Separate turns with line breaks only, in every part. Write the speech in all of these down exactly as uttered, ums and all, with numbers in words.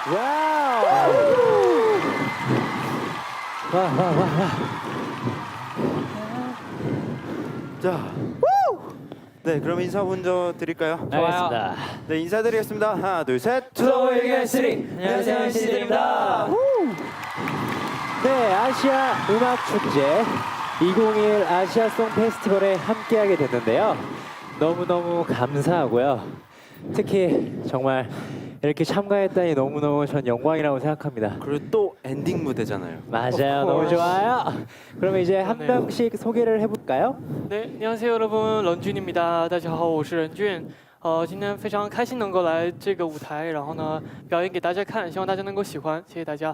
와우. 와, 와, 와, 와.
자, 네, 그럼 인사 먼저 드릴까요?
알겠습니다.
네, 인사드리겠습니다. 하나, 둘, 셋.
투어웨이의 쓰리. 안녕하세요, 엔시티드립니다. 네, 아시아 음악 축제 이천이십일 아시아송 페스티벌에 함께하게 됐는데요. 너무너무 감사하고요. 특히 정말 이렇게 참가했다니 너무너무 전 영광이라고 생각합니다.
그리고 또 엔딩 무대잖아요.
맞아요, 너무 좋아요. 그러면 이제 한 명씩 소개를 해볼까요?
对，你好，여러분，任俊입니다。大家好，我是任俊。呃，今天非常开心能够来这个舞台，然后呢，表演给大家看，希望大家能够喜欢，谢谢大家。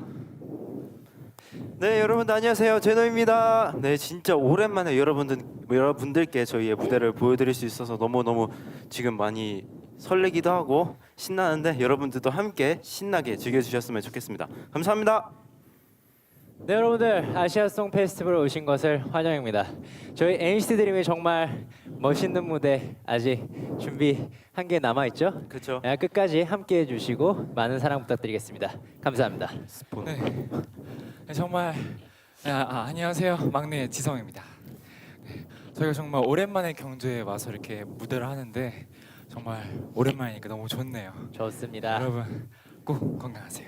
네, 여러분들 안녕하세요. 제노입니다. 네, 진짜 오랜만에 여러분들 여러분들께 저희의 무대를 보여드릴 수 있어서 너무 너무 지금 많이 설레기도 하고 신나는데 여러분들도 함께 신나게 즐겨주셨으면 좋겠습니다. 감사합니다.
네, 여러분들 아시아송 페스티벌에 오신 것을 환영합니다. 저희 엔시티 드림이 정말 멋있는 무대 아직 준비한 게 남아 있죠?
그렇죠.
끝까지 함께 해주시고 많은 사랑 부탁드리겠습니다. 감사합니다.
네. 네, 정말 아, 아, 안녕하세요. 막내 지성입니다. 네, 저희가 정말 오랜만에 경주에 와서 이렇게 무대를 하는데 정말 오랜만이니까 너무 좋네요.
좋습니다.
여러분 꼭 건강하세요.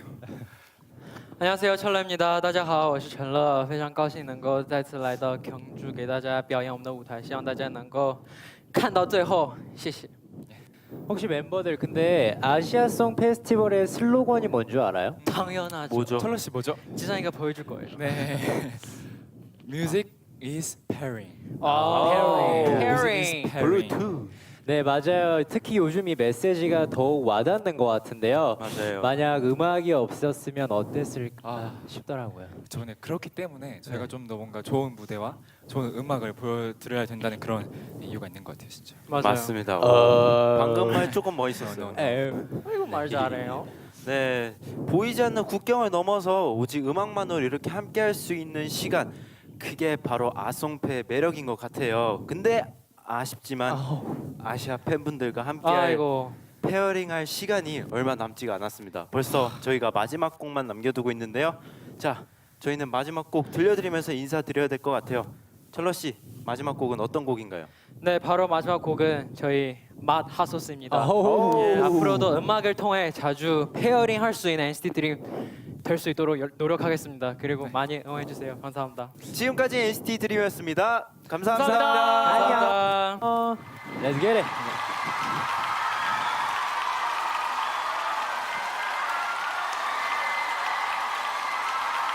안녕하세요，철러입니다。大家好，我是陈乐，非常高兴能够再次来到경주给大家表演我们的舞台，希望大家能够看到最后，谢谢。
혹시 멤버들 근데 아시아송 페스티벌의 슬로건이 뭔 줄 알아요?
당연하죠.
뭐죠?
철러 씨 뭐죠?
지상이가 보여줄 거예요.
네. Music is pairing.
아,
Music
pairing.
is pairing.
블루투.
네, 맞아요. 특히 요즘 이 메시지가 더욱 와닿는 것 같은데요.
맞아요.
만약 음악이 없었으면 어땠을까
아.
싶더라고요.
저는 그렇기 때문에 저희가 좀 더 뭔가 좋은 무대와 좋은 음악을 보여드려야 된다는 그런 이유가 있는 것 같아요, 진짜.
맞아요.
맞습니다.
어...
방금 말 조금 멋있었어요.
에이,
이거 말 잘해요.
네, 보이지 않는 국경을 넘어서 오직 음악만으로 이렇게 함께할 수 있는 시간, 그게 바로 아송패의 매력인 것 같아요. 근데 아쉽지만 아시아 팬분들과 함께할
아이고.
페어링할 시간이 얼마 남지가 않았습니다. 벌써 저희가 마지막 곡만 남겨두고 있는데요. 자, 저희는 마지막 곡 들려드리면서 인사드려야 될 것 같아요. 철러 씨, 마지막 곡은 어떤 곡인가요?
네, 바로 마지막 곡은 저희 맛 핫소스입니다.
아우.
예, 앞으로도 음악을 통해 자주 페어링 할 수 있는 엔시티 드림 될 수 있도록 열- 노력하겠습니다. 그리고 많이 응원해 주세요. 감사합니다.
지금까지 엔시티 드림이었습니다. 감사합니다.
감사합니다.
안녕. 어, Let's get it.